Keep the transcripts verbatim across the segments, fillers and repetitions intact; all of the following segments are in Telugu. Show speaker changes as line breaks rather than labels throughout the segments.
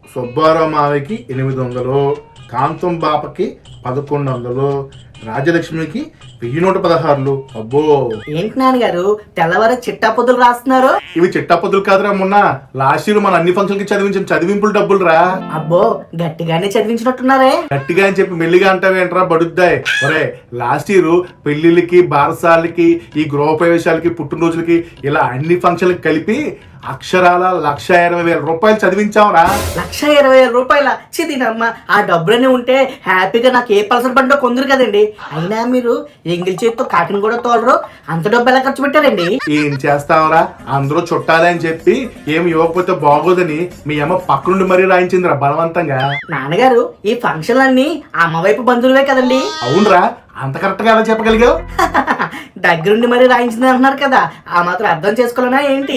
సుబ్బారావు మావయ్యకి ఎనిమిది వందలు, కాంతం బాపకి పదకొండు వందలు, రాజలక్ష్మికి వెయ్యి నూట పదహారులు. అబ్బో
ఏంటి నాన్నగారు తెల్లవారు చిట్టా పొద్దులు రాస్తున్నారు?
ఇవి చిట్టా పొద్దులు కాదురా, మొన్న లాస్ట్ ఇయర్ మన అన్ని ఫంక్షన్ కి చదివించిన చదివింపులు డబ్బులు రా.
అబ్బో గట్టిగానే చదివించినట్టున్నారే.
గట్టిగా అని చెప్పి మెల్లిగా అంటావేంట్రా బడుద్దాయి. ఒరే లాస్ట్ ఇయర్ పెళ్లిళ్ళకి, బారసాలకి, ఈ గృహ ప్రవేశాలకి, పుట్టినరోజులకి ఇలా అన్ని ఫంక్షన్లకి కలిపి అక్షరాల లక్ష ఇరవై వేల రూపాయలు చదివించావురా.
లక్ష ఇరవై వేల రూపాయల చిదినమ్మ, ఆ డబ్బులన్నీ ఉంటే హ్యాపీగా నాకు ఏ పల్సర్ బండో కొందరు కదండి. అయినా మీరు ఎంగిల్ చేతితో కాకిని కూడా తోలరు, అంత డబ్బు ఎలా ఖర్చు పెట్టారండి?
ఏం చేస్తావరా, అందరూ చుట్టాలి అని చెప్పి ఏమి ఇవ్వకపోతే బాగోదని మీ అమ్మ పక్కనుండి మరీ రాయించిందిరా బలవంతంగా.
నాన్నగారు ఈ ఫంక్షన్లన్నీ అమ్మ వైపు బంధువులే కదండి.
అవునరా, అంత కరెక్ట్ గా ఎలా చెప్పగలిగావు?
దగ్గరుండి మరీ రాయించింది అంటున్నారు కదా, ఆ మాత్రం అర్థం చేసుకోలేనా ఏంటి?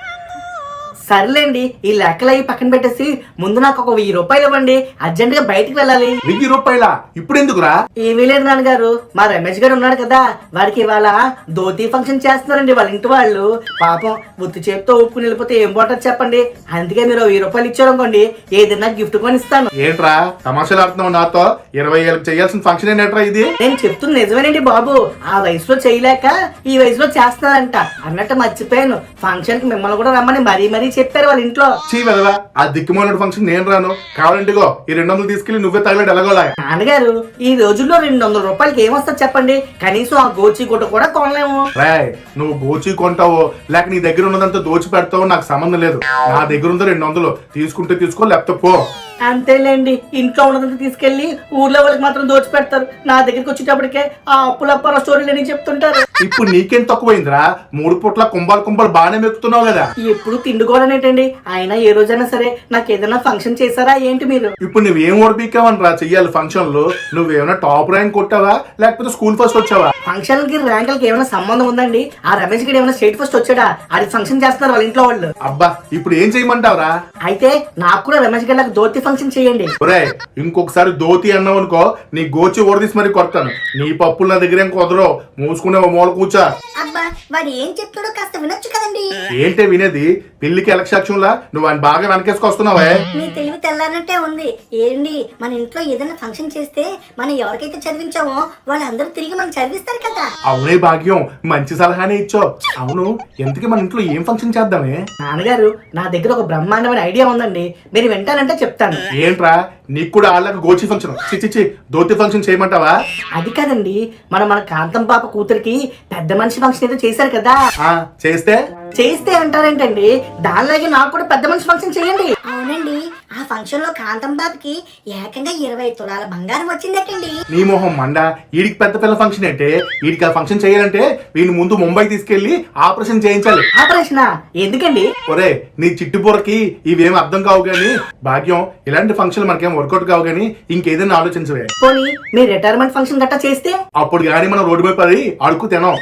సర్లేండి, ఈ లెక్కలు అవి పక్కన పెట్టేసి ముందు నాకు ఒక వెయ్యి రూపాయలు ఇవ్వండి, అర్జెంట్ గా బయటికి వెళ్ళాలి.
వెయ్యి రూపాయల ఇప్పుడు ఎందుకురా?
ఏమీ లేదు నాన్నగారు, మా రమేష్ గారు ఉన్నాడు కదా, వాడికి ఇవాళ ధోతి ఫంక్షన్ చేస్తున్నారండి వాళ్ళ ఇంటి వాళ్ళు. పాపం బుద్ధి చేతితో ఊపుకుని వెళ్ళిపోతే ఏం బాగుంటుంది చెప్పండి. అందుకే మీరు వెయ్యి రూపాయలు ఇచ్చారనుకోండి, ఏదైనా గిఫ్ట్ కొని ఇస్తాను.
ఏంట్రా తమాషాలు ఆడుతున్నావు నాతో? ఇరవై ఏళ్ళకి చేయాల్సిన ఫంక్షన్ ఏంట్రా ఇది?
నేను చెప్తున్న నిజమేనండి బాబు, ఆ వయసులో చేయలేక ఈ వయసులో చేస్తున్నారంట. అన్నట్టు మర్చిపోయాను, ఫంక్షన్ కి మిమ్మల్ని కూడా రమ్మని మరీ మరీ చెప్పారు వాళ్ళ ఇంట్లో.
చీ వెదవా, ఆ దిక్కుమాల ఫంక్షన్ నేను రాను. కావాలంటిగో ఈ రెండు వందలు తీసుకెళ్లి నువ్వే తగలడు ఎలాగోలా.
నాన్నగారు ఈ రోజుల్లో రెండు వందల రూపాయలకి ఏమొస్తుంది చెప్పండి? కనీసం ఆ గోచి గుట్ట కూడా కొనలేము.
రాయ్, నువ్వు గోచి కొంటావో లేక నీ దగ్గర ఉన్నదంతా దోచి పెడతావో నాకు సంబంధం లేదు. నా దగ్గర ఉందో రెండు వందలు, తీసుకుంటే తీసుకో లేకపోతే పో.
అంతేలేండి, ఇంట్లో ఉన్నదంతా తీసుకెళ్లి ఊర్లో వాళ్ళకి మాత్రం దోచి పెడతారు. నా దగ్గరికి వచ్చేటప్పటికే ఆ అప్పులప్పాల స్టోరీలు అని చెప్తుంటారు.
ఇప్పుడు నీకేం తక్కువైందిరా? మూడు పూట్ల కుంభాలు కుంభాలు బాగానే మెక్కుతున్నావు కదా.
ఎప్పుడు తిండుకోవాలనేటండి. అయినా ఏ రోజైనా సరే నాకు ఏదైనా ఫంక్షన్ చేశారా ఏంటి మీరు?
ఇప్పుడు నువ్వేం ఓడిపికావని రా చెయ్యాలి ఫంక్షన్ లో? నువ్వేమైనా టాప్ ర్యాంక్ కొట్టావా లేకపోతే స్కూల్ ఫస్ట్ వచ్చావా?
ఫంక్షన్ కి ర్యాంకులకి ఏమైనా సంబంధం ఉందండి? ఆ రమేష్ గడి ఏమైనా స్టేట్ ఫస్ట్ వచ్చాడా? అది ఫంక్షన్ చేస్తున్నారు వాళ్ళ ఇంట్లో వాళ్ళు.
అబ్బా ఇప్పుడు ఏం చేయమంటావురా?
అయితే నాకు కూడా రమేష్ గడి నాకు ధోతి ఫంక్షన్ చేయండి.
ఒరే ఇంకొకసారి ధోతి అన్నావు అనుకో, నీ గోచి ఓడదీసి మరి కొడతాను. నీ పప్పులు నా దగ్గర ఏం కుదరో, మూసుకునే మూల కూర్చా.
అబ్బా వాడు ఏం చెప్తాడో కాస్త వినొచ్చు కదండి.
ఏంటే వినేది? పెళ్లికి ఎలక్షన్లా నువ్వు ఆయన బాగా వెనకేసుకొస్తున్నావే.
మీ తెలివి తెల్లారనట్టే ఉంది. ఏంటి మన ఇంట్లో ఏదైనా ఫంక్షన్ చేస్తే మనం ఎవరికైతే చదివించామో వాళ్ళందరూ తిరిగి మనం చదివిస్తారు కదా.
అవునే భాగ్యం, మంచి సలహానే ఇచ్చో. అవును, ఎంతకీ మన ఇంట్లో ఏం ఫంక్షన్ చేద్దామే?
నాన్నగారు నా దగ్గర ఒక బ్రహ్మాండమైన ఐడియా ఉందండి, మీరు వింటానంటే చెప్తాను.
ఏంట్రా, నీకు కూడా వాళ్ళకి గోచి ఫంక్షన్ చిచ్చి ధోతి ఫంక్షన్ చేయమంటావా?
అది కాదండి, మనం మన కాంతం పాప కూతురికి పెద్ద మనిషి ఫంక్షన్ ఏదో చేశారు కదా.
ఆ చేస్తే
చేస్తే అంటారేంటండి, దానిలాగే నాకు కూడా పెద్ద మనిషి ఫంక్షన్ చేయండి.
అవునండి, ఆ ఫంక్షన్ లో కాంతం బాబుకి ఏకంగా ఇరవై తులాల బంగారం వచ్చిందటండి.
నీ మొహం మండ, వీడికి పెద్ద పిల్ల ఫంక్షన్ అంటే? వీడికి ఆ ఫంక్షన్ చేయాలంటే వీడిని ముందు ముంబై తీసుకెళ్లి ఆపరేషన్ చేయించాలి.
ఆపరేషన్ ఎందుకండి?
ఒరే నీ చిట్టుబుర్రకి ఇవేం అర్థం కావు గాని భాగ్యం, ఇలాంటి ఫంక్షన్ మనకేం వర్కౌట్ కావు గాని ఇంకేదైనా ఆలోచించవే.
పోనీ మీ రిటైర్మెంట్ ఫంక్షన్ గట్టా చేస్తే?
అప్పుడు గానీ మనం రోడ్డు మీద పడి అడుక్కు తినాం.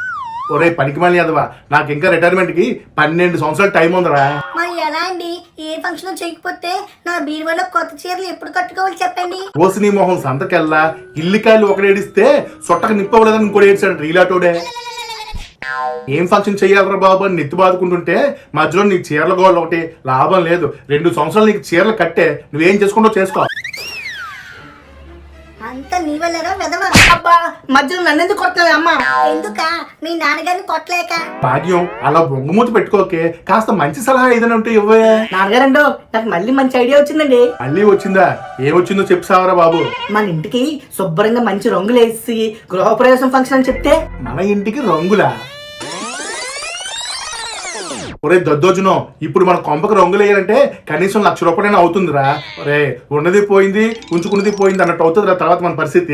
ఒరే పనికి మళ్ళీ అదవా, నాకు ఇంకా రిటైర్మెంట్ కి పన్నెండు సంవత్సరాలు టైం ఉందరా.
మరి ఎలా అండి, ఏ ఫంక్షన్ చేయకపోతే నా బీరువాలో కొత్త చీరలు ఎప్పుడు కట్టుకోవాలి చెప్పండి.
ఓసి నీ మొహం సంతకెళ్ళా, ఇల్లికాయలు ఒకడేడిస్తే సొట్టకు నిప్పవలేదని ఇంకోటి ఏడ్చాడు రీలాటోడే. ఏం ఫంక్షన్ చెయ్యాలరా బాబు అని నెత్తి బాదుకుంటుంటే మధ్యలో నీ చీరల గోళ్ళు ఒకటి లాభం లేదు. రెండు సంవత్సరాలు నీకు చీరలు కట్టే, నువ్వేం చేసుకుంటో చేసుకో.
అంత నీ వల్లరా వెదవా.
అబ్బా మధ్యలో నన్ను ఎందుకు కొట్టాలి అమ్మా?
ఎందుక మీ నాన్నగారిని కొట్టలేక?
భాగ్యం అలా బొంగుమూతి పెట్టుకోకే, కాస్త మంచి సలహా ఏదైనా ఉంటే ఇవ్వే.
నాన్నగారండో నాకు మళ్ళీ మంచి ఐడియా వచ్చిందండి.
మళ్ళీ వచ్చిందా? ఏమొచ్చిందో చెప్తావరా బాబు.
మన ఇంటికి శుభ్రంగా మంచి రంగులు వేసి గృహప్రవేశం ఫంక్షన్ అని చెప్తే?
మన ఇంటికి రంగులా? ఒరే దద్దోజునో, ఇప్పుడు మన కొంపకి రంగులు వేయాలంటే కనీసం లక్ష రూపాయలైనా అవుతుందిరా. ఒరే ఉన్నది పోయింది ఉంచుకున్నది పోయింది అన్నట్టు అవుతుందిరా తర్వాత మన పరిస్థితి.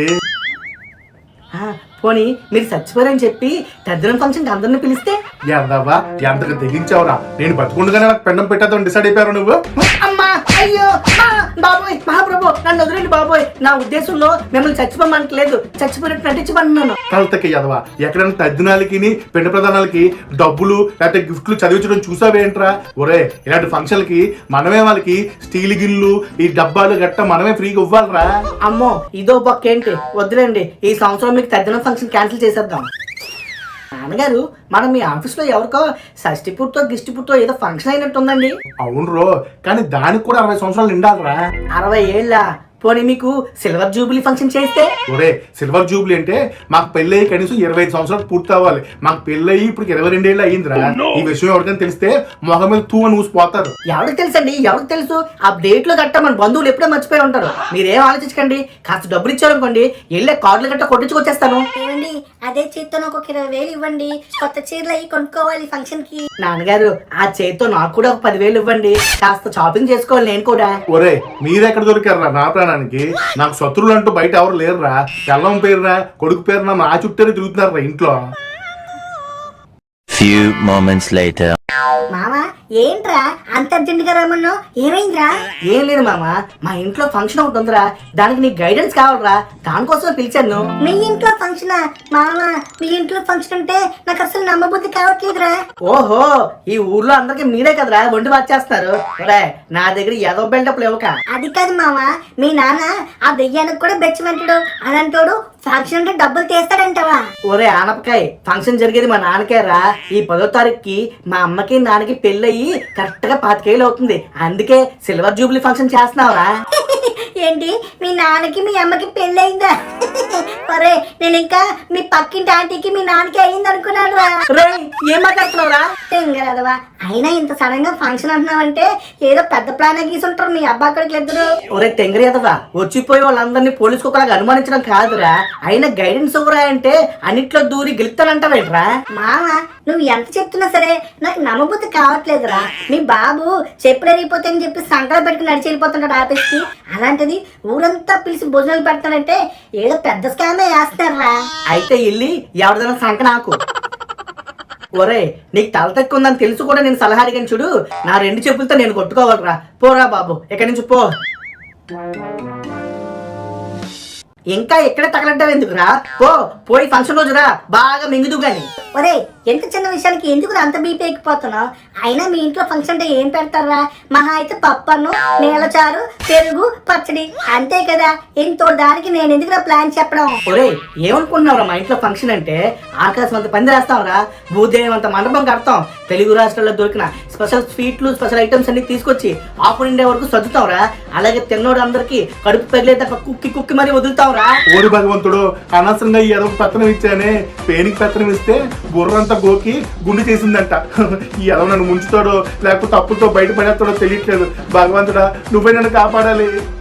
పోనీ మీరు చచ్చిపోరని చెప్పి తద్దినం ఫంక్షన్ అందరిని పిలిస్తే?
ఎంతవా ఎంతకు తెగించావురా? నేను బతుకుండగానే నాకు పెండం పెట్టేద్దాం డిసైడ్ అయిపోయారు నువ్వు.
అమ్మా అయ్యో బాబోయ్ మహాప్రభు నన్ను వదిలేండి బాబోయ్. నా ఉద్దేశంలో మిమ్మల్ని చచ్చిపోమనట్లేదు, చచ్చిపోయినట్టు నటించమన్నాను.
కలతకి ఎదవా, ఎక్కడైనా తద్దినాలకి పిండ ప్రధానాలకి డబ్బులు లేకపోతే గిఫ్ట్లు చదివించడం చూసావేంట్రా? ఒరే ఇలాంటి ఫంక్షన్లకి మనమే వాళ్ళకి స్టీల్ గిన్నెలు ఈ డబ్బాలు గట్ట మనమే ఫ్రీగా ఇవ్వాలరా.
అమ్మో ఇదో బొక్క ఏంటి, వద్దులేండి ఈ సంవత్సరం మీకు తద్దినం ఫంక్షన్ క్యాన్సిల్ చేసేద్దాం. నాన్నగారు మనం మీ ఆఫీస్లో ఎవరికో షష్టి పుట్టో గిష్టి పుట్టో ఏదో ఫంక్షన్ అయినట్టుందండి.
అవును రో, కానీ దానికి కూడా అరవై సంవత్సరాలు నిండాలరా.
అరవై ఏళ్ళ పోనీ మీకు సిల్వర్ జూబిలీ ఫంక్షన్ చేస్తే?
ఒరే, సిల్వర్ జూబ్లీ అంటే మాకు పెళ్ళయి కనీసం ఇరవై ఐదు సంవత్సరాలు పూర్తి అవ్వాలి. మాకు పెళ్ళయి ఇప్పుడు ఇరవై రెండేళ్ళు అయ్యిందిరా. ఈ విషయం ఎవరికైనా తెలిస్తే మొహం మీద తూ అని ఊసిపోతారు.
ఎవరికి తెలుసండి, ఎవరికి తెలుసు? ఆ డేట్ లో గట్ట మన బంధువులు ఎప్పుడో మర్చిపోయి ఉంటారు. మీరేం ఆలోచించకండి, కాస్త డబ్బులు ఇచ్చారనుకోండి వెళ్ళే కార్డులు గట్ట కొట్టించుకొచ్చేస్తాను.
ఏమండి, అదే చేత్తో ఒక ఇరవై వేలు ఇవ్వండి, కొత్త చీరలు అవి కొనుక్కోవాలి ఫంక్షన్ కి.
నాన్నగారు ఆ చేతితో నాకు కూడా ఒక పదివేలు ఇవ్వండి, కాస్త షాపింగ్ చేసుకోవాలి నేను కూడా.
ఒరే, మీరెక్కడ దొరికారా నా ప్రాణానికి? నాకు శత్రువులు అంటూ బయట ఎవరు లేరురా. పిల్లం పేరురా, కొడుకు పేరున మా చుట్టారే తిరుగుతున్నారా ఇంట్లో.
Few moments later.
మామా ఏంట్రా అంత అర్జెంటుగా రమ్మన్నా? ఏమైందిరా?
ఏం లేదు మామ, మా ఇంట్లో ఫంక్షన్ ఒకటి ఉందిరా, దానికి నీ గైడెన్స్ కావాలరా, దానికోసం పిలిచాను.
మీ ఇంట్లో ఫంక్షన్? మామా మీ ఇంట్లో ఫంక్షన్ అంటే నాకు అసలు నమ్మబుద్ధి కావట్లేదురా.
ఓహో, ఈ ఊర్లో అందరికి మీరే కదరా వండి వచ్చేస్తారు. నా దగ్గర ఏదో బిల్డప్లు ఇవ్వక.
అది కాదు మామా, మీ నాన్న ఆ దెయ్యానికి కూడా బెచ్చమంటాడు, అలాంటోడు ఫంక్షన్ అంటే డబ్బులు తీస్తాడంటావా?
ఒరే ఆనపకాయ, ఫంక్షన్ జరిగేది మా నాన్నకే రా. ఈ పదో తారీఖుకి మా అమ్మకి నాన్నకి పెళ్ళయి కరెక్ట్ గా పాతికేళ్ళు అవుతుంది, అందుకే సిల్వర్ జూబ్లీ ఫంక్షన్ చేస్తున్నావురా.
ఏంటి మీ నాన్నకి మీ అమ్మకి పెళ్ళి అయిందా? అరే నేను ఇంకా మీ పక్కింటి ఆంటీకి మీ నాన్నకి అయింది అనుకున్నాను రా.
రే ఏం మాట్లాడుతున్నావురా?
తెంగరదవా, అయినా ఇంత సడన్ గా ఫంక్షన్ అంటున్నావంటే ఏదో పెద్ద ప్లాన్ గీసుంటారు మీ అబ్బా అక్కడికి ఇద్దరు.
ఒరే తెంగరేదవా, వచ్చిపోయి వాళ్ళందరినీ పోలీసు కుక్కలాగా అనుమానించడం కాదురా, అయినా గైడెన్స్ ఇవ్వరా అంటే అన్నిట్లో దూరి గెలుస్తానంటావేంట్రా?
మామ నువ్వు ఎంత చెప్తున్నా సరే నాకు నమ్మబుద్ధి కావట్లేదురా. మీ బాబు చెప్పులు ఎరిగిపోతే అని చెప్పి సంకల పెట్టుకుని నడిచి వెళ్ళిపోతుంటాడు ఆఫీస్ కి, అలాంటిది ఊరంతా పిలిచి భోజనాలు పెడతానంటే ఏదో పెద్ద స్కామే వేస్తారా.
అయితే ఇల్లి ఎవరిదైనా సంక నాకు. ఒరే నీకు తల తక్కువ ఉందని తెలుసు కూడా నేను సలహా అడిగాను చూడు, నా రెండు చెప్పులతో నేను కొట్టుకోవాలరా. పోరా బాబు ఇక్కడి నుంచి పో. ఇంకా ఎక్కడే తగలంటావు ఎందుకురా? పో, పోయి ఫంక్షన్ రోజురా బాగా మింగుదు గాని.
ఒరే ఎంత చిన్న విషయానికి ఎందుకు అంత బీపీ ఎక్కిపోతున్నావు? అయినా మీ ఇంట్లో ఫంక్షన్ అంటే ఏం పెడతారా? మహా అయితే పప్పన్ను, నీళ్ళచారు, పెరుగు, పచ్చడి అంతే కదా. ఇంతో దానికి నేను ఎందుకు ప్లాన్ చెప్పడం?
ఒరే ఏమనుకుంటున్నావురా, మా ఇంట్లో ఫంక్షన్ అంటే ఆకాశం అంత పంది రాస్తాంరా, భూదేవం అంత మండపం కడతాం, తెలుగు రాష్ట్రాల్లో దొరికిన స్పెషల్ స్వీట్లు స్పెషల్ ఐటమ్స్ అన్ని తీసుకొచ్చి ఆపు నిండే వరకు సర్దుతాంరా. అలాగే తిన్నోడు అందరికి కడుపు పగిలేదాకా కుక్కి కుక్కి మరీ వదులుతాంరా.
ఓరి భగవంతుడు, అనవసరంగా ఈ ఎదవ పెత్తనం ఇచ్చానే. పేనికి పెత్తనం ఇస్తే బుర్రంతా గోకి గుండె చేసిందంట. ఈ ఎదవ నన్ను ముంచుతాడో లేకపోతే అప్పులతో బయటపడేస్తాడో తెలియట్లేదు. భగవంతుడా నువ్వే నన్ను కాపాడాలి.